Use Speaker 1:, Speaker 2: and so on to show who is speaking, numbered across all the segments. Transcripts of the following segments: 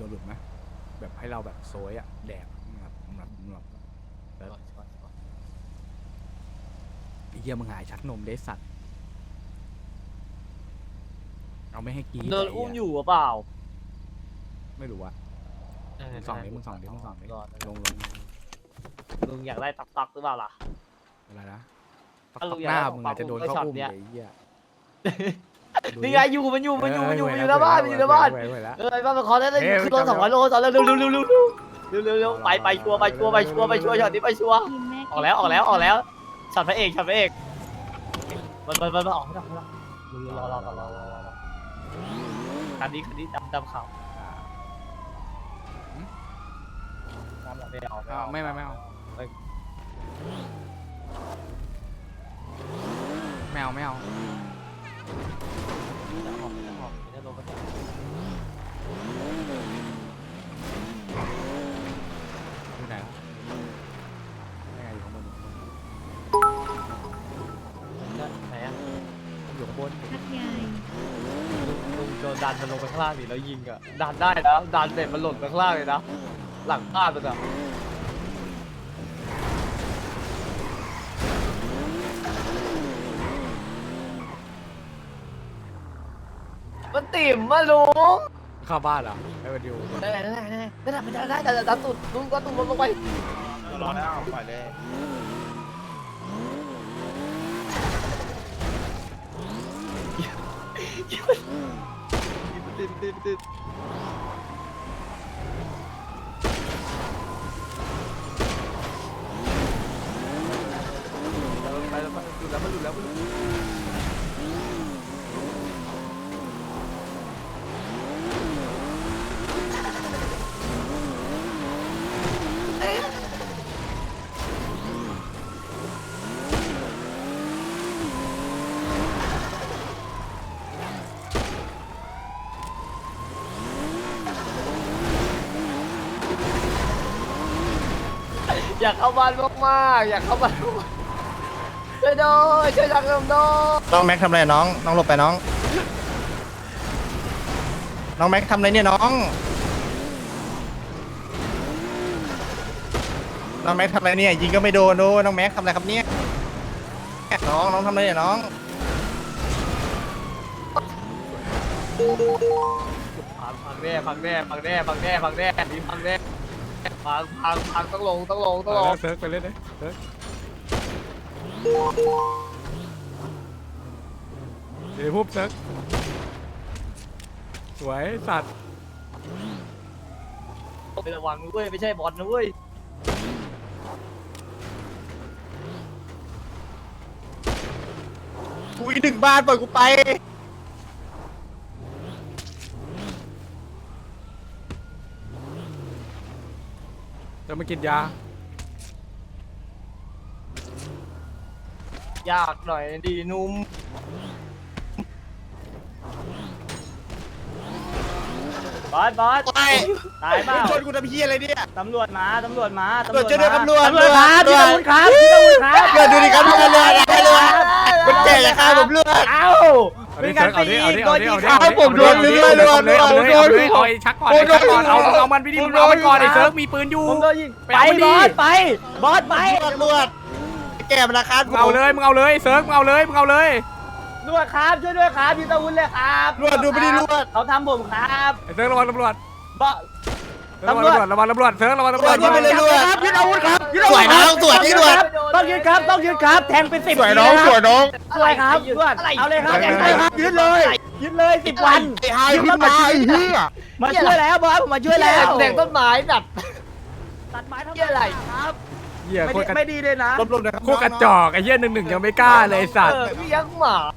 Speaker 1: หลุดไหมแบบให้เราแบบโซยอะแดกแบบไอ้เหี้ยมึงหายชักนมได้สัตว์เอาไม่ให้กี
Speaker 2: โดนอุ้มอยู่หรือเปล่า
Speaker 1: ไม่รู้อะมึงส่องดิลง
Speaker 2: ลุงอยากได้ตักหรือเปล่าล่ะ
Speaker 1: อะไรนะ
Speaker 2: ถ้าลุง
Speaker 1: ห
Speaker 2: อยาก
Speaker 1: น้า
Speaker 2: ได้
Speaker 1: มึง
Speaker 2: ปั
Speaker 1: อาจจะโดนเข้าอุ้ม
Speaker 2: เนี่
Speaker 1: เลย ยไอ้เหี้ย
Speaker 2: นี่ไงมันอยู่ในบ้านในบ้านไอ้บ้านมันขอได้เลยคือรถ200 โลตอนเร็วไปชัวร์ช็อตนี้ไปชัวร์ออกแล้วช็อตพระเอกมันออกไม่ได้รอคันนี้ดำขาว
Speaker 1: ไม่เอาอยู่ไหนอยู่ข้างบน
Speaker 2: ไหนอะ
Speaker 1: อยู่ข้างบน
Speaker 3: ทักยาย
Speaker 2: ลุงโดนดันมันลงไปข้างล่างดิแล้วยิงอะดันได้นะดันเสร็จมันหล่นไปข้างล่างเลยนะหลังบ้านมันอะมันติ่มมาลุง
Speaker 1: เข้าบ้านเหรอให้มาดู
Speaker 2: ได้แต่ดันตุดลุงก็ตุดลงไป
Speaker 4: รอแล้วปล่อยเลย
Speaker 2: ติดไปแล้วมันหลุดแล้วอยากเข้าบ้านมากๆอยากเข้าบ้านช่วยด้วยช่วยจักรยานด้วย
Speaker 4: น้องแม็กทำอะไรน้องหลบไปน้องแม็กทำอะไรเนี่ยน้องแม็กทำอะไรเนี่ยยิงก็ไม่โดนน้องแม็กทำอะไรครับเนี่ยน้องทำอะไรเนี่ยน้อง
Speaker 2: พังแน่นี่พังแน่พังต้องลง
Speaker 1: เซิร์ฟไปเล่นเลยเซิร์ฟเดี๋ยวพูดเซิร์ฟสวยสัตว์
Speaker 2: ไประวังนะเว้ยไม่ใช่บอลนะเว้ย
Speaker 4: กูอีก1 บ้านปล่อยกูไป
Speaker 1: จะมากินยาย
Speaker 2: ากหน่อยดีนุ่มบอสตายเปล่า
Speaker 4: ชนกูทำเพี้ยอะไรเนี่ย
Speaker 2: ตำรวจมา
Speaker 4: ตำรวจช่วยด้วยตำรวจ
Speaker 2: ครับพี่ตำรวจครับ
Speaker 4: เลือดดูดิครับเลือดคนแก่อย่าฆ่าผมเลือด
Speaker 2: เอ้า
Speaker 1: เป็นการตีโดนยิง
Speaker 4: เอาผมโดนเลือด
Speaker 1: เอาไอ้ชักก่อนเอามันไปดิเอามันก่อนไอ้เซิร์ฟมีปืนอยู่
Speaker 2: ผมโดนยิง
Speaker 1: ไปเอามันดิ
Speaker 2: บอสไป
Speaker 4: ตำรวจแก่มันราคา
Speaker 1: มึงเอาเลยเซิร์ฟมึงเอาเลย
Speaker 2: ตำรวจครับช่วยด้วยครับพี่ตะวุ้นเลยครับ
Speaker 4: รวดดูไม่ได้รวด
Speaker 2: เขาทำผมครับ
Speaker 1: ไอ้เซิร์ฟระวังตำรวจ
Speaker 2: บอส
Speaker 1: ระวังตำรวจเซิร์ฟระวังตำรวจ
Speaker 4: ไม่ได้รวด
Speaker 2: ยึดอาวุธครับ
Speaker 4: สวยน้องสวยที่รวด
Speaker 2: ต้องยึดครับแทงเป็น10
Speaker 4: สวยน้องสวยน้อง
Speaker 2: สวยครับรวดเอาเลยครับยึดเลย10 วัน
Speaker 4: ไอ้ไฮขึ้นมาไอ้เหี้ย
Speaker 2: มาช่วยแล้วบอสผมมาช่วยแล้วแทงต้นไม้แบบตัดไม้ทำอะไรครับ
Speaker 1: เหี้ยโคตร
Speaker 2: ไม่ดีเลยนะ
Speaker 4: ลบนะครับ
Speaker 1: โคตรกระจอกไอ้เหี้ย1-1ยังไม่กล้าเลยสัตว์
Speaker 2: เลี้ยงหมา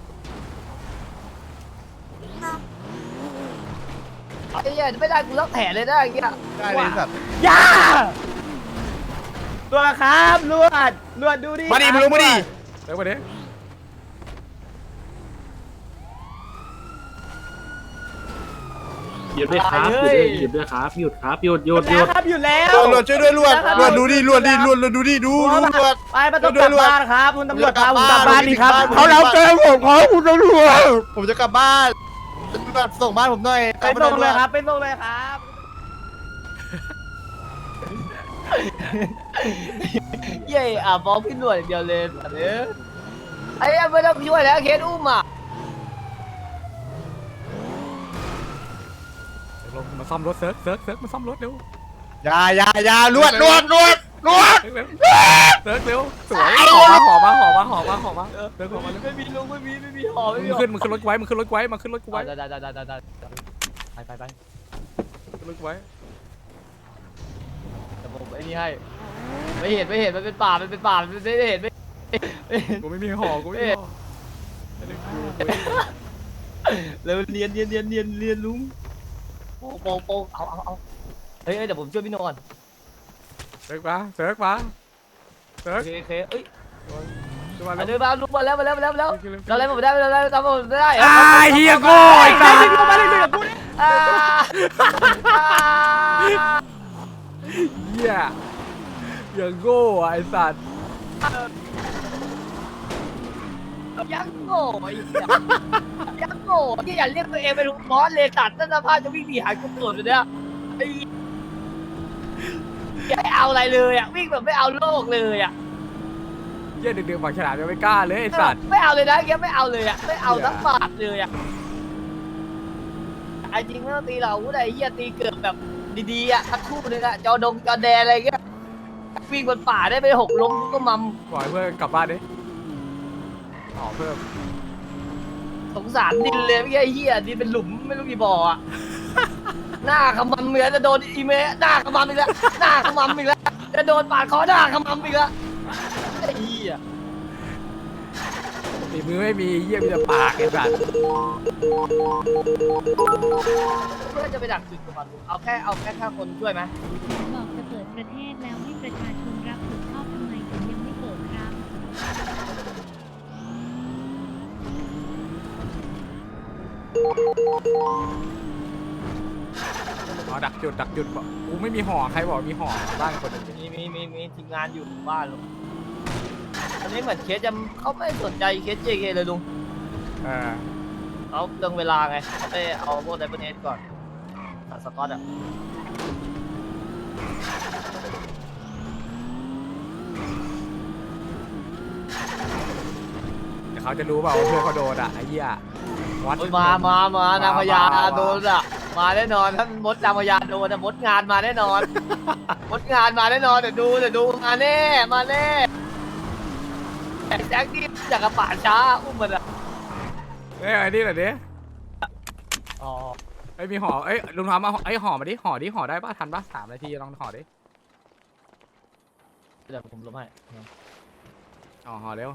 Speaker 2: ไอ้เหี้ยไม่ได้กูต้องแถเลยนะอย่างเงี้ย
Speaker 4: ได้เลยสัตว์
Speaker 2: ย่าตัวครับลวดดูดิ
Speaker 4: มาดิมึงลงมาดิ
Speaker 1: เซิร์ฟมาดิ
Speaker 5: หยุดด้วยครับหยุดด้วยครับหยุดครับหยุด
Speaker 2: ครับหยุดแล้ว
Speaker 4: รวดช่วยด้วยรวดดูดิรวดดูดิดูรวด
Speaker 2: ไปมาต้องกลับบ้านครับคุณตำรวจพาผมกลับบ้านดีครับ
Speaker 4: เขาเราเจอผมขอคุณตำรวจผมจะกลับบ้านส่งบ้านผมหน่อย
Speaker 2: ไปส่งเลยครับเย้อ่ะฟ้องพี่หน่วยอย่างเดียวเลยสัตว์เอ้ยไอ้เหี้ยไม่ต้องช่วยแล้วเคสอุ้มอ่ะ
Speaker 1: ลงมาซ่อมรถเซิร์ฟมาซ่อมรถเร็ว
Speaker 4: อย่าลวด
Speaker 1: เซิร์ฟเร็วสวยหอมาเซิร์ฟหอมาเร็ว
Speaker 2: ไม่มีลุงไม่มีหอไม่มีหอ
Speaker 1: มึงขึ้นรถไว้มาขึ้นรถไว้
Speaker 2: ได้ไป
Speaker 1: ขึ้นรถไว้
Speaker 2: แต่ผมไอ้นี่ให้ไม่เห็นมันเป็นป่ามันไม่เห็นไม่เห็น
Speaker 1: กูไม่มีหอกูไม่มีหอ
Speaker 2: เร็วเรียนลุงโปเอาเฮ้ยเดี๋ยวผมช่วยพี่โนก่อน
Speaker 1: เซิร์ฟมา
Speaker 2: โอเคเอ้ย
Speaker 1: ขึ้นมา
Speaker 2: มา
Speaker 1: เร็
Speaker 2: เดิ
Speaker 1: วน
Speaker 2: มาลุกมาแล้วเราเล่นผมได้ทำผมได้
Speaker 1: เฮียโก้ไอ้สัสเฮียอย่างโง่ไอ้สัส
Speaker 2: ยังโง่ไอ้ยังโง่ที่อย่าเรียกตัวเองเป็นลูกบอสเลยตัดนั่นสภาพจะวิ่งหนีหายกุศลเลยเนี่ยไอ้ไม่เอาอะไรเลยอ่ะวิ่งแบบไม่เอาโลกเลยอ่ะ
Speaker 1: เฮียดึกๆฝั่งฉลามยังไม่กล้าเลยไอ้สัส
Speaker 2: ไม่เอาเลยนะแกไม่เอาเลยอ่ะไม่เอาสักบาทเลยอ่ะไอ้จริงไม่ต้องตีเราไอ้เหี้ยตีเกือบแบบดีๆอ่ะทั้งคู่เลยอ่ะจอแดอะไรเงี้ยวิ่งบนป่าได้ไป6 ล้มก็มัม
Speaker 1: ปล่อยเพื่อนกลับบ้านดิหอเพิ่ม
Speaker 2: สงสารดินเลยไม่ใช่เหี้ยดินเป็นหลุมไม่รู้กี่บ่ออ่ะหน้าขมำเหมือนจะโดนอีเมะหน้าขมำอีกแล้วหน้าขมำอีกแล้วจะโดนปาดคอหน้าขมำอีกแล้วไอ้เหี้ย
Speaker 1: ตีมือไม่มีเฮียมีแต่ปากไอ้สัส
Speaker 2: เพื่อจะไปดักจุดกับมันเอาแค่5 คนช่วยไหม
Speaker 3: บอกจะเปิดประเทศแล้วให้ประชาชนรับผิดชอบทำไมถึงยังไม่เปิดครับ
Speaker 1: อ๋อดักจุดบอกกูไม่มีหอใครบอกมีหอบ้านคนหนึ่ง
Speaker 2: มีทีมงานอยู่บ้านลุงอันนี้เหมือนเคสจะเขาไม่สนใจเคส JK เลยลุง เขาเรื่องเวลาไงเขาไปเอาพวกไดเบเนสก่อนสกอตอ่ะ
Speaker 1: แต่เขาจะรู้เปล่าว่าเพื่อนเขาโดนอ่ะไอ้เหี้ยวัด
Speaker 2: โอ้ยมานางพญาโดนอ่ะมาแน่นอนท่านมดนางพญาโดนมดงานมาแน่นอน มดงานมาแน่นอนเดี๋ยวดูมาแน่แจ็คที่จากกระป่าช้าอุ้มมันอ่ะ
Speaker 1: เอ้ยไอ้นี่เหรอดิ
Speaker 2: อ๋อ
Speaker 1: ไอ้มีหอเอ้ยลุงทำมาไอ้หอมาดิห่อได้ป่ะทันป่ะ3 นาทีลองห่อดิ
Speaker 2: เดี๋ยวผมลบให้
Speaker 1: ห่อเร็ว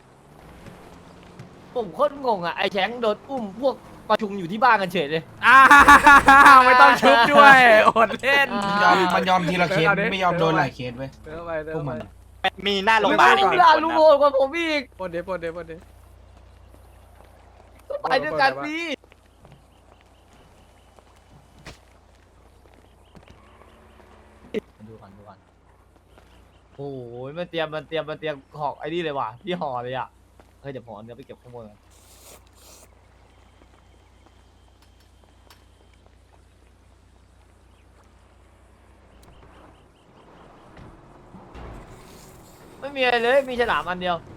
Speaker 2: ผมโคตรงงอ่ะไอ้แชงโดนอุ้มพวกประชุมอยู่ที่บ้านกันเฉยเลย
Speaker 1: ไม่ต้องชุบด้วยอดเล่น
Speaker 6: มันยอมทีละเคสไม่ยอมโดนหลายเคสเว้ย
Speaker 1: เดินไป
Speaker 6: พวกมัน
Speaker 4: มีหน้าโรงพยาบาล
Speaker 2: ลุงโหดกว่าผมอีก
Speaker 1: ปนเด
Speaker 2: ไปด้วยกันพี่ดูก่อนโอ้ยมันเตรียมห่อไอ้นี่เลยว่ะพี่ห่อเลยอ่ะเฮ้ยเดี๋ยวผมเอาเนื้อไปเก็บข้างบนกันไม่มีอะไรเลยมีฉลามอันเดียว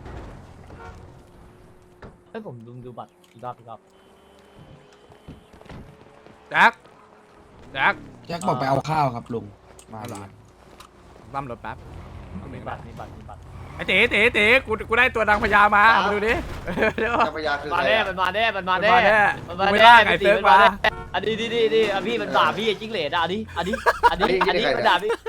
Speaker 2: เฮ้ยผมดูบัตรอีกรอบ
Speaker 1: แจ็ค
Speaker 6: แจ็คบอกไปเอาข้าวครับลุงมา
Speaker 1: เอาเหรอ
Speaker 6: เลย
Speaker 1: บัมรถแป๊บ
Speaker 2: มีบัตร
Speaker 1: ไอ้เต๋กูได้ตัวนางพญามาดูดิเดี๋ยว
Speaker 7: เจ้าพญาคือ
Speaker 2: มา
Speaker 7: ใคร
Speaker 2: แน่
Speaker 7: อะ
Speaker 2: มันมาแน่
Speaker 1: กูไม่ล่าไก่เซิร์ฟมา
Speaker 2: อันนี้พี่มันด่าพี่จิ้งเหลนอ่ะอันนี้มันด่าพี่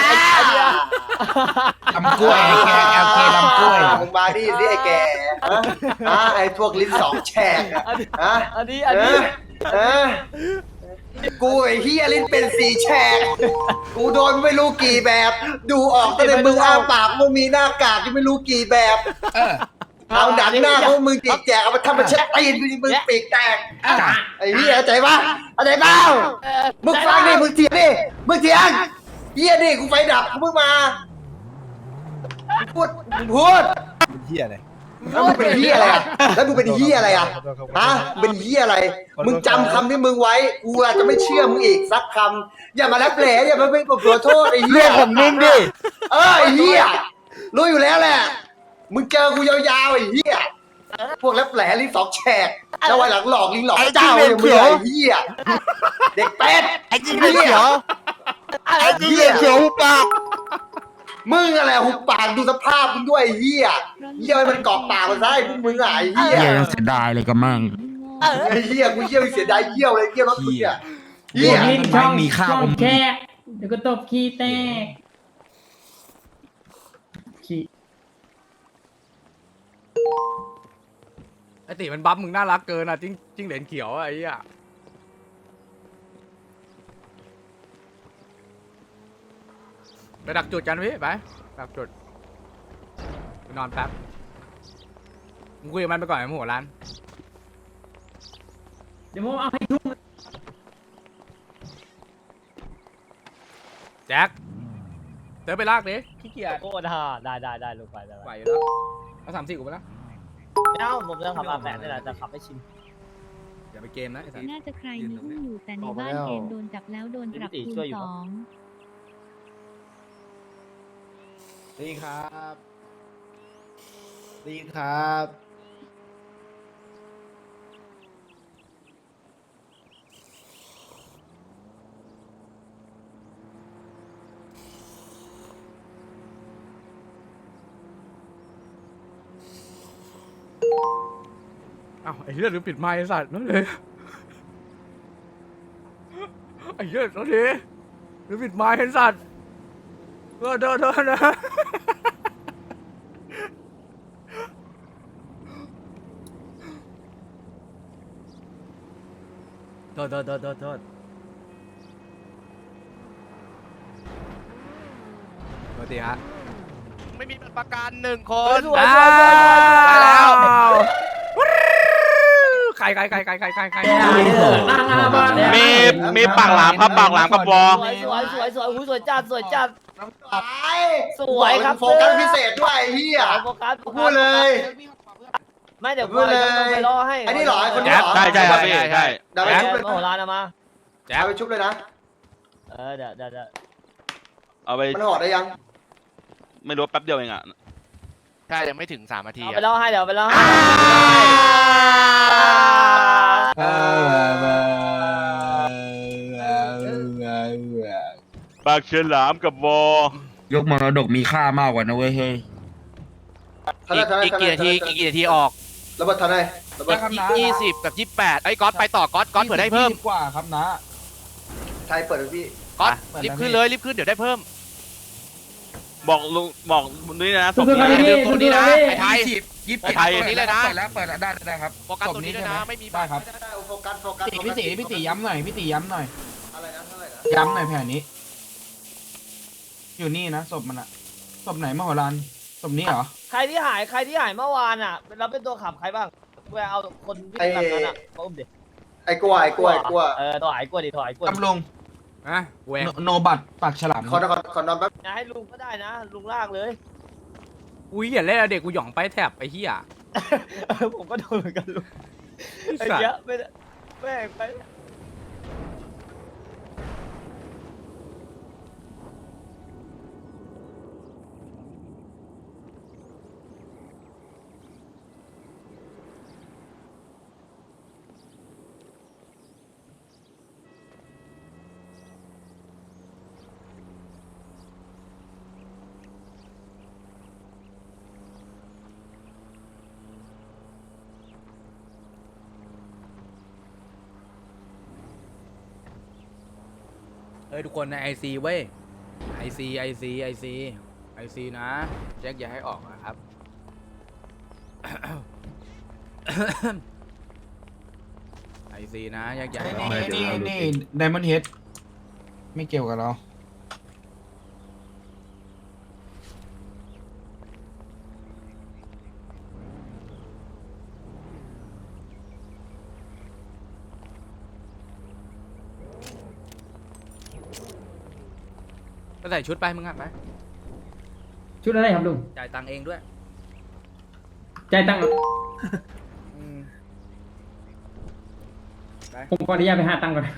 Speaker 6: ลำกล้วยไอ้แกแอลเคลำกล้วย
Speaker 7: มึงมาดิสิไอ้แกไอ้พวกลิ้น2 แฉกอะฮะ
Speaker 2: อันนี้
Speaker 7: เออกูไอ้เฮียลิ้นเป็น4 แฉกกูโดนไม่รู้กี่แบบ ดูออกตั้งแต่มึงอ้าปากมึงมีหน้ากากที่ไม่รู้กี่แบบ เอาดันหน้าพวกมึงจิกแจกเอามาทำมาเช็ดตีนมึงปีกแตกไอ้เฮียเข้าใจปะเข้าใจเปล่ามึงฟังดิมึงเถียงเฮียดิกูไฟดับกูเพิ่งมาพูด
Speaker 4: เหี้ยเลย
Speaker 7: แล้วมึงเป็นเฮียอะไรอ่ะแล้วมึงเป็นเฮียอะไรอ่ะฮะเป็นเฮียอะไร มึงจำคำที่มึงไว้กูอาจจะไม่เชื่อมึงอีกสักคำอย่ามารับแหล่อย่ามาเป็นขอโทษไอ้เฮี
Speaker 4: เรื่อย งของมึงดิ
Speaker 7: ไอ้เฮียรู้อยู่แล้วแหละมึงเจอกูยาวๆไอ้เฮียพวกรับแหล่ลิ้นสองแฉกเจ้าไว้หลังหลอกลิ้นหลอกเจ้าอย่างมึงไอ้เฮียเด็กเป็ด
Speaker 4: ไอ้จริงเลยเขียวไอ้จริงเลยเขียวปาก
Speaker 7: มึงอะไรหุบปากดูสภาพมึงด้วยไอ้เฮียเฮียมันเกาะปากมันได้พวกมึงอะไอ้เฮีย
Speaker 6: เหี้ยยังเสียดายเลยกับมั่ง
Speaker 7: ไอ้เฮียกูเฮียเสียดายเฮียเลยเฮียรถมึงอะเฮีย
Speaker 6: ไม่มีข้าว
Speaker 8: แค่เดี๋ยวก็ตบขี้แตกขี้
Speaker 1: ไอติมันบัฟมึงน่ารักเกินอ่ะจิ้งเหลนเขียวอะไอ้เหี้ยไปดักจุดกันพี่ไปดักจุดไปนอนแป๊บมึงคุยกับมันไปก่อนไอ้หัวร้าน
Speaker 8: เดี๋ยวผมเอาให้ทุ่ม
Speaker 1: แจ็คเดินไปลากดิขี้เกียจ
Speaker 2: โอ้ได้ลงไปได้
Speaker 1: ไหวอยู่แล้วเอา34กูไปแล้ว
Speaker 2: เอ้าผมจะขับมา8นี่แหละจะขับไม่ชิน
Speaker 1: อย่าไปเกมนะไอ้สัส
Speaker 3: น่าจะใครมีอุ้มอยู่แต่ในบ้านเกมโดนจับแล้วโดนปรับคูณ
Speaker 4: ดีครับดีครับ
Speaker 1: อ้าวไอ้เหี้ยหรือปิดไมค์ไอ้สัตว์นั่นเลยไอ้เหี้ยนั่นดิหรือปิดไมค์ไอ้สัตว์เดินนะโทษทีฮะ
Speaker 4: ไม่มีประกัน1 คน
Speaker 2: สวย
Speaker 1: ไปแล้วใคร
Speaker 4: มีปากหลามครับปากหลามกับบอ
Speaker 2: สวยจัดสวยครับ
Speaker 7: โฟกัสพิเศษด้วยไอ้เฮีย
Speaker 2: โฟกัส
Speaker 7: พูดเลย
Speaker 2: ไม่เดี๋ยวกูไปรอให้
Speaker 7: ไอ้นี่เหรอไอ้คนนี้เหรอ
Speaker 4: ใช่ครับพี่ใช่
Speaker 7: เดี๋ยวไปชุบเลย
Speaker 2: โอ้ร้านมา
Speaker 7: เอาไปชุบเลยนะ
Speaker 2: เดี๋ยว
Speaker 9: เอาไป
Speaker 7: มันห่อได้ยัง
Speaker 9: ไม่รู้แป๊บเดียวเองอ่ะ
Speaker 4: ใช่ยังไม่ถึง3 นาที
Speaker 2: เอาไปรอให้เดี๋ยวไปรอให้
Speaker 9: ปากเฉลามกับวอย
Speaker 6: กมรดกมีค่ามากกว่านะเว้ยเฮ้ย
Speaker 4: อีกกี่นาทีออก
Speaker 7: ระเบิดทันไหนระเบิด
Speaker 4: อีก20 กับ 28ไอ้ก๊อตไปต่อก๊อตเผื่อได้เพิ่ม
Speaker 6: กว่าครับนะ
Speaker 7: ไทยเปิดเลยพี่
Speaker 4: ก๊อตรีบขึ้นเลยรีบขึ้นเดี๋ยวได้เพิ่ม
Speaker 9: บอกลุงบอกนี่นะ
Speaker 8: สู้ๆครับพี่
Speaker 4: ตัวนี้นะ
Speaker 8: สู้ๆ
Speaker 4: ไอ้ไทย
Speaker 6: 20
Speaker 4: ไอ้ไทยนี่เลยนะ
Speaker 6: เปิดแล้วได้ครับ
Speaker 4: โฟกัสตัวนี้ด้วยนะไม่มี
Speaker 6: ได้ครับ
Speaker 7: ได้โฟกัสโฟกัส
Speaker 6: พี่ตีย้ำหน่อยพี่ตีย้ำหน่อย
Speaker 7: อะไรนะเท่าไหร่นะ
Speaker 6: ย้ำหน่อยแผนนี้ อยู่นี่นะศพมันอะศพไหนมโหฬารศพนี้เหรอ
Speaker 2: ใครที่หายเมื่อวานอ่ะเราเป็นตัวขับใครบ้างไปเอาคนวิ่งแบบนั้นอ่ะมาอุ้มดิ
Speaker 7: ไอ้กลัว
Speaker 2: ตัวหายกลัวดิตัวหายกลัว
Speaker 6: ตำรง
Speaker 1: นะเวง
Speaker 6: โนบัตปากฉลาม
Speaker 7: ขอนอนแป๊บ
Speaker 2: ให้ลุงก็ได้นะลุงลากเลย
Speaker 1: อุ้ยอย่าเล่นเด็กกูหย่องไปแถบไอ้เหี้ย
Speaker 2: ผมก็โดนเหมือนกันลุงไอ้เหี้ยไม่ไป
Speaker 1: เฮ้ยทุกคนในไอซีเว้ยไอซีนะแจ็คอย่าให้ออกนะครับ ไอซีนะแจ็คอย่าให้ออก
Speaker 6: นี่ไดมอนด์เฮดไม่เกี่ยวกับเรา
Speaker 1: ก็ใส่ชุดไปมึงอ่ะไป
Speaker 8: ชุดอะไรครับลุง
Speaker 1: จ่ายตังค์เองด้วย
Speaker 8: จ่ายตังค์
Speaker 1: อืม
Speaker 8: ผมขออนุญาตไปหาตังค์ก่อน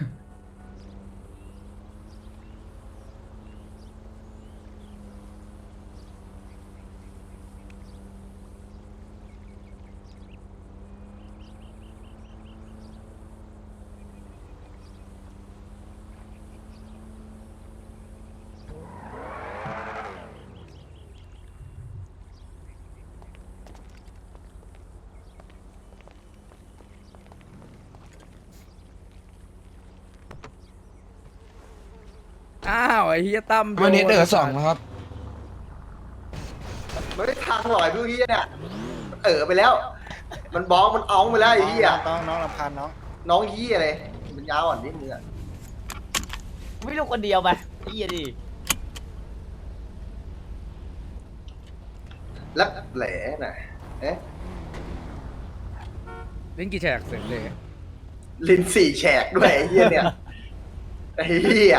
Speaker 1: อ้าวไอ้เฮียตั้ม
Speaker 6: วันนี้เดือสองนะครับ
Speaker 7: มันไม่ทางหน่อยพวกเฮียเนี่ยมันไปแล้ว มันบ้องมันอ้องไปแล้วไอ้เฮีย
Speaker 4: น้องรำคาญน้อง
Speaker 7: น้องเฮียเลยมันยาวอ่อนนิดนึงอะ
Speaker 2: ไม่ลูกคนเดียวไปเฮียดิ
Speaker 7: แล้วแหล่น่ะเอ๊ะ
Speaker 1: เล่นกี่แฉกเสร็จเลย
Speaker 7: ลิ้นสี่แฉกด้วยไอ้เฮียเนี่ยไอ้เฮีย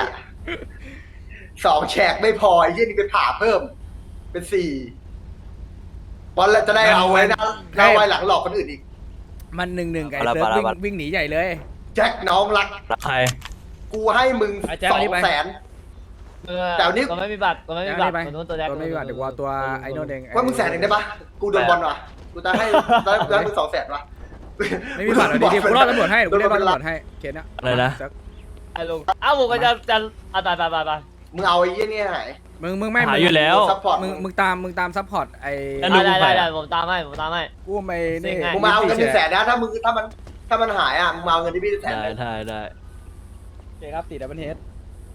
Speaker 7: 2 แฉกไม่พอไอ้เฮียนี่ไปผ่าเพิ่ม เป็น4บอลจะได้เอาไว้นะเอาไว้หลังหลอกคนอื่นอีก
Speaker 1: มัน1-1กับไอ้เซิร์ฟวิ่งหนีใหญ่เลย
Speaker 7: แจ็คน้องรัก
Speaker 9: ใคร
Speaker 7: กูให้มึง
Speaker 1: ไอ้แจ็คเอานี่ไป
Speaker 7: 200,000 แต่วันนี้
Speaker 2: ก็ไม่มีบัตรก็ไม่มีบัตรคนนู้นตัวแรก
Speaker 1: ตัวไม่มีบัตรเดี๋ยวกูเอาตัวไอ้โน่นเอง
Speaker 7: ว่ามึง100,000ได้ปะกูโดนบอลว่ะกูจะให้ได้มึง200,000ว่ะ
Speaker 1: ไม่มีบัตรเอาดีๆกูรอดตำรวจให้กูเรียกรอดตำรวจให้เคสเนี้ย
Speaker 9: อะไรนะ
Speaker 2: ไอ้ลุงอ้าวผมก็จะไป
Speaker 7: มึงเอาไอ้เหี้ยเนี่ยหาย
Speaker 1: มึงไม่
Speaker 9: หาอยู่แล้ว
Speaker 7: ซัพพอร์ต
Speaker 1: มึงตามซัพพอร์ตไอ้
Speaker 9: แล้วลุง
Speaker 2: ได้ผมตามให้
Speaker 1: กูไม่นี่
Speaker 7: มึงมาเอาเงิน100,000นะถ้ามันหายอ่ะมึงมาเอาเงินที่พี่100,000
Speaker 9: ได้
Speaker 7: เลย
Speaker 9: ได้
Speaker 1: โอเคครับตีดับเบิลเฮด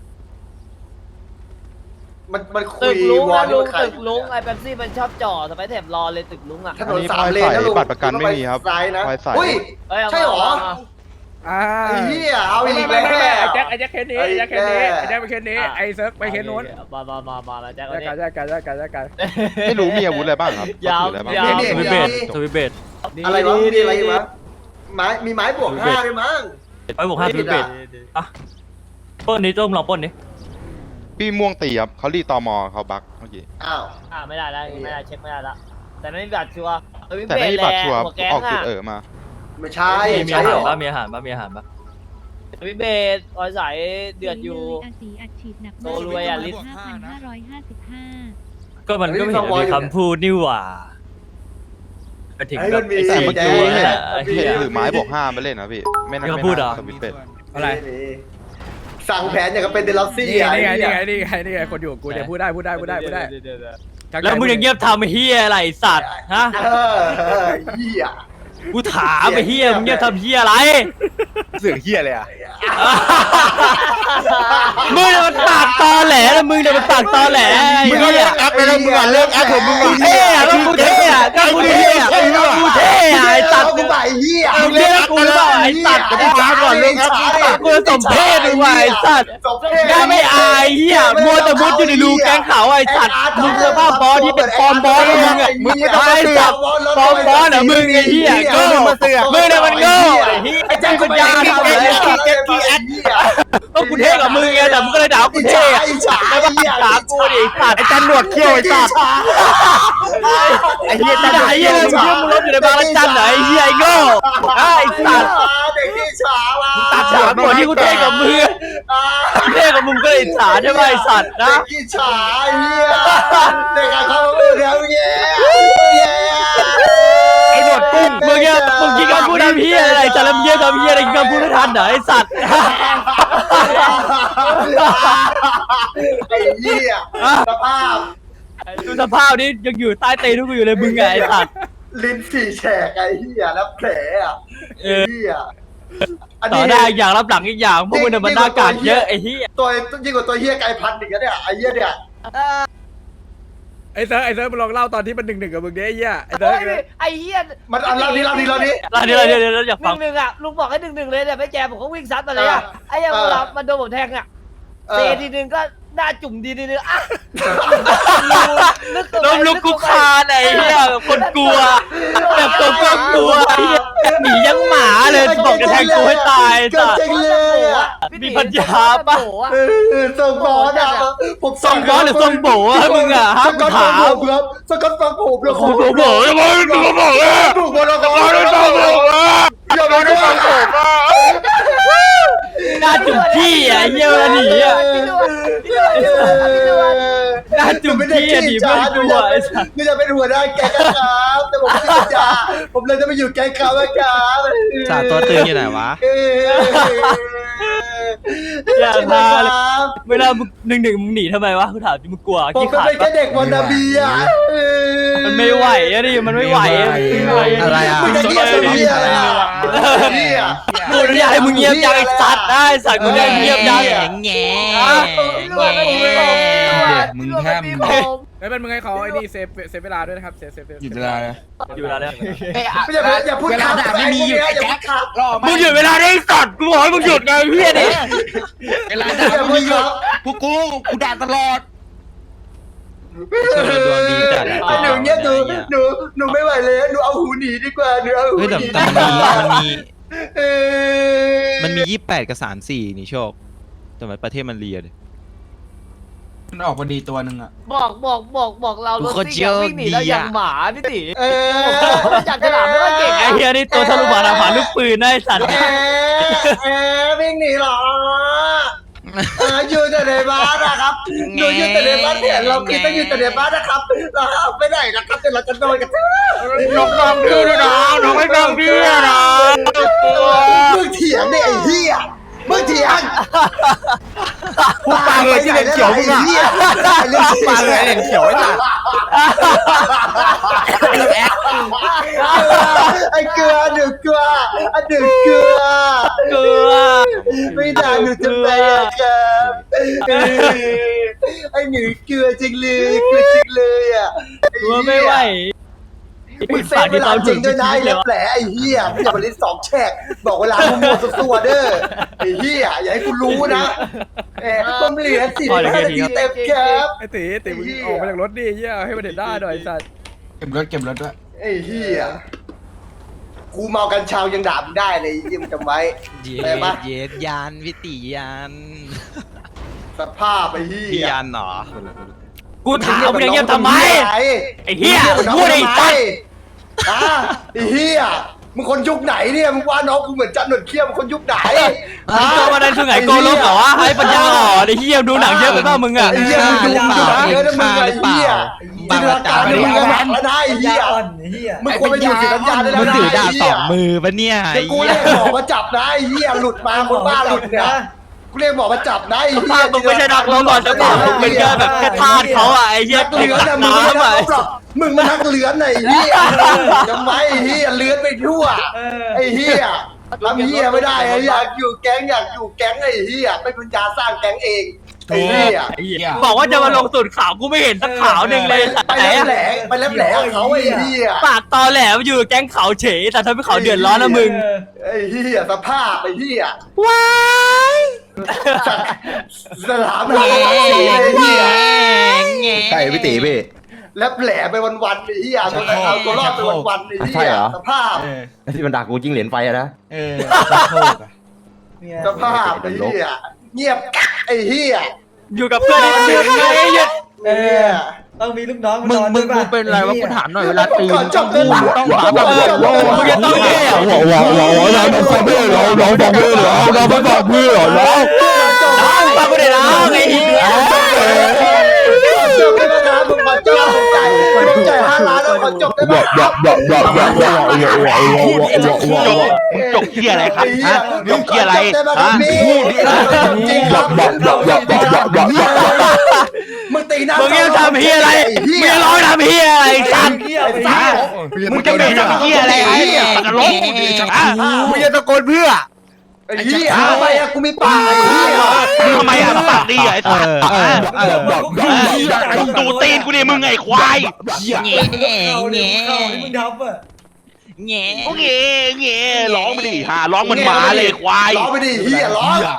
Speaker 7: มันคุ
Speaker 2: ตึ
Speaker 7: ย
Speaker 2: กลุง
Speaker 7: วอ
Speaker 2: นะ
Speaker 7: ล
Speaker 2: ลุง
Speaker 7: ใคร
Speaker 2: ตึกลุงไอ้แป๊บซี่มันชอบจ่อสไปแถบรอเลยตึกลุงอ่ะ
Speaker 7: ถนน3 เลนนะลุง
Speaker 4: บัตรประกันไม่มีครับ
Speaker 7: ซ้ายนะ
Speaker 4: ไฟใส่
Speaker 7: อุ้ย ใช่เหรอ ไอ้เหี้ยเอาอีกแล้ว
Speaker 1: ไอ้แจ็คเคสนี้ไอ้แจ็คเคสนี้ไอ้แจ็คไปเคสนี้ไอ้เซิร์ฟไปเคสนู้น
Speaker 2: มาแจ็ค
Speaker 1: แยกกัน
Speaker 4: ไม่รู้มีอาวุธอะไรบ้างครับ
Speaker 2: ยาว
Speaker 4: ถืออะไรบ้าง
Speaker 2: ยาว
Speaker 9: สวิตเบดสวิตเบด
Speaker 7: อะไรวะมีอะไรอยู่วะมีไม้บวก5ด้วยมั้ง
Speaker 9: ไปบวก5สวิตเบดอ่ะปล้นนี้จ้มลองปล้นนี้
Speaker 4: พี่ม่วงตีครับเขารีตอมอเขาบักเมื่อกี้
Speaker 7: อ้าว
Speaker 2: ไม่ได้แล้วไม่ได้เช็คไม่ได้ละแต่ไม่มีบัตรชัวร์
Speaker 4: แต่ไม่มีบัตรชัวร์
Speaker 2: หัวแก๊ง
Speaker 4: ออกจุด
Speaker 2: อ่ะ
Speaker 4: มา
Speaker 7: ไม่ใช่
Speaker 9: มี
Speaker 7: ใช่
Speaker 9: อา
Speaker 7: เห
Speaker 9: หาร
Speaker 7: รอ
Speaker 9: ป่ะมีอาหารป่ะมีอาหารป่ะ
Speaker 2: วิเบสออยสายเดือดอยู่
Speaker 3: อาศีอัดฉีดหนัก
Speaker 2: โตรวยอ่ะลิตร
Speaker 3: 5,555
Speaker 9: ก็มันก็ไม่เห็นมีคำพูดนี่หว่าไปถึง
Speaker 7: ไอ้
Speaker 9: แบ
Speaker 7: มั
Speaker 9: บ
Speaker 7: นมี
Speaker 9: ไอ้
Speaker 4: แต่
Speaker 9: สี่
Speaker 4: เมื่อ
Speaker 7: แจ๊
Speaker 4: กี้
Speaker 9: ตัวนั่นแหละไอ้
Speaker 4: เห็
Speaker 9: เหี้
Speaker 4: น
Speaker 9: ย
Speaker 4: ถือไม้บวก5มาเล่นนะพี่ไม่น่า
Speaker 9: มีคำพูดเหรอ
Speaker 4: สวิตช์เป็ด
Speaker 1: อะไร
Speaker 7: สั่งแผนอย่างกับเป็นเดลซี่
Speaker 1: นี่
Speaker 7: อ่ะ
Speaker 1: ไงคนอยู่กูเดี๋ยวพูดได้
Speaker 9: แล้วมึงยังเงียบทำไอ้เฮียอะไรไอ้สัตว์ฮะ
Speaker 7: เหี้ย
Speaker 9: กูถามไอ้เฮียมึงเงียบทำเฮียอะไร
Speaker 4: เสือเฮียเลยอ่ะ
Speaker 9: มึงเนี่ยมันปากตอแหลนะมึงเนี่ยมันปากตอแหลไอ้
Speaker 4: มึง
Speaker 9: เหี้
Speaker 4: เลิ
Speaker 9: ย
Speaker 4: กแอปไปแล้วมึงอ่ะเลิกแอปผมมึง
Speaker 9: กู
Speaker 4: อ่ะ
Speaker 9: เท่อะก็กูเท่อะก็กูเท่อะกูเท่อะไอ้สัตว์
Speaker 7: กูใบเหี้ย
Speaker 9: มึงเรียกกูหรือเปล่าไอ้สัตว์
Speaker 4: จะได้ฟ้าก่อนเลิกแอป
Speaker 9: กูจะสมเพศมึงว่ะไอ้สัตว์น่าไม่อายเฮียมัวแต่มุดอยู่ในรูแก๊งเขาไอ้สัตว์มึงสภาพบอสที่เป็นฟอร์มบอสแล้วมึงอ่ะ
Speaker 7: มึงไม่ต้อง
Speaker 9: ไอ้สัตว์ฟอร์มบอสเหรอมึงไอ้เฮียโง่มึงเนี่ยมันโง่ไอ้เฮียไอ้เจ้าปัญญาทำเลย ก็กูเท่กับมึงไงแต่มึงก็เลยด่ากูเท่อะแล้วก็ด่ากูดิไอ้สัตว์
Speaker 4: ไอ้จันหนวดเขี้ยวไอ้สัตว์ไอ้เฮียจันหนวด
Speaker 9: ไอ้
Speaker 4: เขี้
Speaker 9: เหี้
Speaker 4: ย
Speaker 9: ย
Speaker 4: ไอ้
Speaker 9: มึง
Speaker 4: สัตว์
Speaker 9: เชื่อมึงรถอยู่ในบางระจันเหรอไอ้เหี้ยไอ้โง่ไอ้สัตว์
Speaker 7: เด็กที่ฉาว่ะ
Speaker 9: ตัดฉากก่อนที่กูเท่กับมึงกูเท่กับมึงก็เลยฉาใช่ไหมไอ้สัตว์นะ
Speaker 7: เด็กที่ฉาเหี้ยเด็กเขาเดี๋ยวแย่
Speaker 4: ไอ้หนวดกุ้ง
Speaker 9: มึงเนี่ยมึงกินคำพูดทำเหี้ยอะไรจะลำเยี่ยทำเหี้ยอะไรกินคำพูดไม่ทันเหรอไอ้สัตว์
Speaker 7: ไอ้เหี้ยสภาพ
Speaker 9: ดูสภาพนี้ยังอยู่ใต้เตะทุกกูอยู่เลยมึงไงไอ้สัตว์
Speaker 7: ลิ้นสี่แฉกไอ้เหี้ยแล้วแผลอ่ะไอ้เหี้ย
Speaker 9: ต่อได้อย่างรับหลังอีกอย่างพวกมึงเนี่ยมันหน้ากากเยอะไอ้เหี้ย
Speaker 7: ตัวยิ่งกว่าตัวเหี้ยไก่พันอีกนะเนี่ยไอ้เหี้ยเนี่ย
Speaker 1: ไอ้เซิร์ฟมึงลองเล่าตอนที่มัน1-1กับมึงดิไอ้เหี้ยไอ้เซิร์ฟ
Speaker 2: ไอ้เหี้ย
Speaker 7: มันเอาเราดิ
Speaker 9: เดี๋ยวอยากฟัง
Speaker 2: 1-1อ่ะลุงบอกให้1-1เลยแต่ไม่แจมผมก็วิ่งซัดมาเลยอ่ะไอ้ยังมันโดนผมแทงอ่ะ
Speaker 7: เอ
Speaker 2: เซ
Speaker 7: อ
Speaker 2: ทีนึงก็หน้าจุ่มดีทีนึงอ่ะ
Speaker 9: ล้มลุกคุกคานไอ้เหี้ยแบบคนกลัวแบบตัวก็กลัวไอ้เหี้ยหนียังหมาเลยบอกจะแทงกูให้ตาย
Speaker 7: เกิด
Speaker 9: สัต
Speaker 7: จริง
Speaker 9: ว์
Speaker 7: เลยอ่ะ
Speaker 9: มีปัญญาปะ
Speaker 7: ส่งบอลอ่ะผม
Speaker 9: ส่งบอลหรือส่งโบอะมึงอะฮะ
Speaker 7: สกัด
Speaker 9: ถา
Speaker 7: ฟังผม มครับสกัดฟังผมแล้ว
Speaker 9: โอ้โหโบยังไงมึงก็บอกเลย
Speaker 7: ถูกบอลแล้วก็ไม่ฟังผม
Speaker 9: อย่ามาได้ฟังผมหน้าจุ่มขี้อ่ะเหี้ยเวลาหนีอ่ะหน้าจุ่มขี้อ่ะหนีเพื่อนกูอ่ะไอ้สัส
Speaker 7: ไม่จะเป็นหัวหน้าแก๊งครับแต่ผมไม่สัญญาผมเลยจะไปอยู่แก๊งเขาแล้วครับ
Speaker 4: จ่าตัวตึงอยู่ไหนวะ
Speaker 9: อย่าพาเลยเวลามึงหนึ่งมึงหนีทำไมวะกูถามจริงมึงกลัว
Speaker 7: ผม
Speaker 9: ขี้
Speaker 7: ก็
Speaker 9: ขาด
Speaker 7: เป็นแค่
Speaker 9: ปะ
Speaker 7: เด็กวันนาบีอ่ะ
Speaker 9: มันไม่ไหวอะดิมันไม่ไหวอะ
Speaker 4: อะไรอ่ะ
Speaker 7: มึงจะเงียบเป็นเหี้ยอะไรอ่ะเหี้ย
Speaker 9: กูอยากให้มึงเงียบจังไอ้สัตว์ได้สัตว์กูได้เงียบจัง
Speaker 4: แง่
Speaker 6: มึงแทบ
Speaker 1: ไม่เป็นมึงให้เขาไอ้นี่เซฟเวลาด้วยนะครับเซฟ
Speaker 6: หยุดเวลาเลย
Speaker 9: อยู่เวลาเนี่ย
Speaker 7: อย่าพูดคำไม่มีหยุดแจ็คครับ
Speaker 9: มึงหยุดเวลาได้สัตว์กูบอกให้มึงหยุดไงเฮียดิ
Speaker 6: เวลาด่ามึงหยุดพวกกูด่าตลอด
Speaker 4: ดวงดีจัด
Speaker 7: หนูเนี้ยหนูไม่ไหวเลยหนูเอาหูหนีดีกว่าหนูเอาหู
Speaker 4: เฮ้ย
Speaker 7: หนี
Speaker 4: แต่มันมี28กับ34นี่โชคแต่ว่าประเทศมันเรียด
Speaker 6: มันออกพอดีตัวหนึ่งอ่ะ
Speaker 2: บอกเรารถ
Speaker 4: กู
Speaker 2: ซิ่งวิ่งหนีแล้วอย่างหมาพี่ติ
Speaker 7: เออ
Speaker 2: จับฉลามไม่ค่อยเก่ง
Speaker 9: ไอ้เฮียนี่ตัวทะลุบานาผ่านลูกปืนได้สัตว์
Speaker 7: วิ่งหนีหรออยู่แต่ในบ้านนะครับหนูอยู่แต่ในบ้านเห็นเราคิดว่าอยู่แต่ในบ้านนะครับเราไม่ได้นะครับแต่เราจะโดนกัน
Speaker 9: น้องพี่ด้วยนะน้องไม่น้องพี่นะ
Speaker 7: มึงเถียงเนี่ยไอ้เหี้ยมึงเถียง
Speaker 4: พูดปากเลยที่เป็นเขียวมึงอ่ะพูดปากเลยเขียวไอ้สัตว์
Speaker 7: ไอ้เกลือหนูเกลืออันหนึ่งเกลือ
Speaker 9: เกลือ
Speaker 7: ไม่ได้หนูจะไปอะครับไอ้หนูเกลือจริงเลยเกลือจริงเลยอ่ะ
Speaker 9: ตัวไม่ไหว
Speaker 7: มึงเซฟเวลาจริงด้วยนะไอ้แผลไอ้เหี้ยมึงอย่ามาลิ้นสองแฉกบอกเวลามึงหมดตัวเด้อไอ้เหี้ยอย่าให้กูรู้นะต้มเหลือ45 นาทีเต็มครับ
Speaker 1: ไอ้ตีมึงออกมาจากรถดิเหี้ยให้มันเห็นได้หน่อยไอ้สัตว์
Speaker 6: เก็บรถด้วย
Speaker 7: ไอ้เหี้ยกูเมากัญชายังด่ามึงได้เลยยิ่งจำไว้
Speaker 4: เย็ดยานวิติยาน
Speaker 7: สภาพไอ้เหี้
Speaker 4: พี่
Speaker 7: ย
Speaker 4: ยานเหรอ
Speaker 9: กูถามมึงอย่างเงี้ยทำไมไอ้เฮีย
Speaker 7: มึง
Speaker 9: พูดไอ้สัตว์
Speaker 7: ไอ้เหี้ยมึงคนยุคไหนเนี่ยมึงว่าน้องกูเหมือนจันหนวดเขี้ยวมึงคนยุคไหน
Speaker 9: มึงโตมาในช่วงไหนโกลกเหรอวะให้ปัญญาอ่อนไอ้เฮียดูหนังเยอะไปป่ะมึงอ่ะ
Speaker 7: ไอ้เหี้ยมึงดูเยอะนะมึงไอ้เหี้ยจินตนาการมึงก็หนักแล้วนะไอ้เหี้ยมึงควรไปอยู่ศิลปะได้แล้ว
Speaker 4: มึง
Speaker 7: นะ
Speaker 4: ถือดาบ
Speaker 7: ไอ้
Speaker 4: ส
Speaker 7: เหี้
Speaker 4: อย งมือปะเนี่ย
Speaker 7: เดี๋ยวกูเรียกหมอมาจับนะไอ้เหี้ยหลุดมาคนบ้าหลุดเนี่ยกูเรียกหมอมาจับนะไอ้
Speaker 9: ภา
Speaker 7: เหี้ย
Speaker 9: พมึงไม่ใช่นักร้องก่อนจะเปล่ามึงเป็นแค่แบบแค่ทาสเขาอ่ะไอ้เฮีย
Speaker 7: นักเลือนนะมึงไม่ได้หรอกมึงมานักเลือนไอ้เหี้ยทำไมไอ้เหี้ยเลือนไปทั่วไอ้เหี้ยทำเหี้ยไม่ได้ไอ้อยากอยู่แก๊งไอ้เหี้ยไม่ปัญญาสร้างแก๊งเองไอ้เหี้ย
Speaker 9: บอกว่าจะมาลงสูตรขาวกูไม่เห็นสักขาวหนึ่งเลย
Speaker 7: ไปแหลกไปแหลกเขาไอ้เหี้ย
Speaker 9: ปากตอแหลมอยู่แก๊งเขาเฉยแต่ทำให้เขาเดือดร้อนนะมึง
Speaker 7: ไอ้เหี้ยสภาพไอ้เหี้ย
Speaker 9: ว้าย
Speaker 7: สลามหาสีไอ้เหี้ย
Speaker 4: ใช่พี่ตีพี่
Speaker 7: แล้วแผลไปวันๆไอ้เหี้ยตัวเอาตัวรอดไปวันๆไอ้เหี้ยสภาพ
Speaker 4: ที่มันด่ากูจิ้งเหรียญไฟอะนะ
Speaker 7: สภาพไอ้เหี้ยเงียบกักไอ้เหี้ย
Speaker 9: อยู่กับเพื่อนไอ้เดือดไงหยุด
Speaker 8: ต้องมีลูกน้อง
Speaker 4: มึงเป็นอะไรวะกูถามหน่อยเวลาตี
Speaker 7: ก่อนจบเลย
Speaker 4: ต้องหาแบบ
Speaker 9: มึงจะต้องเนี่ย
Speaker 4: เราฟังเพื่อนเราฟังเพื่อนเราไม่ฟังเพื่อนเรา
Speaker 9: น้องฟังกูได้น้องไอ้เหี้ย
Speaker 7: จบเลยนะครับผมขอจบผมจ่าย5 ล้านแล้วขอจบได้ไหม
Speaker 4: จบเที่ยอะไรครับฮะจบเที่ยอะไรฮะ
Speaker 7: จริงครับมึงตีหน้า
Speaker 9: มึงยังทำเฮียอะไรมึงยังร้องทำเฮียอะไรสัตว์
Speaker 4: มึงจะเป็นเที่ยอะไรไอ้ตะลกมึงจะตะโกนเพื่อ
Speaker 7: ไอ้เหี้ยทำไมอะกูมีปากไอ้เหี้ย
Speaker 4: ทำไมอ่ะปากดีไอ้สัตว์ดูตีนกูดิมึงไอ้ควายแง่แง่
Speaker 8: มึงทำอ่ะ
Speaker 4: แง่แง่ร้องไปดิฮะร้องมันหมาเลยควาย
Speaker 7: ร้องไปดิเหี้ยร้อง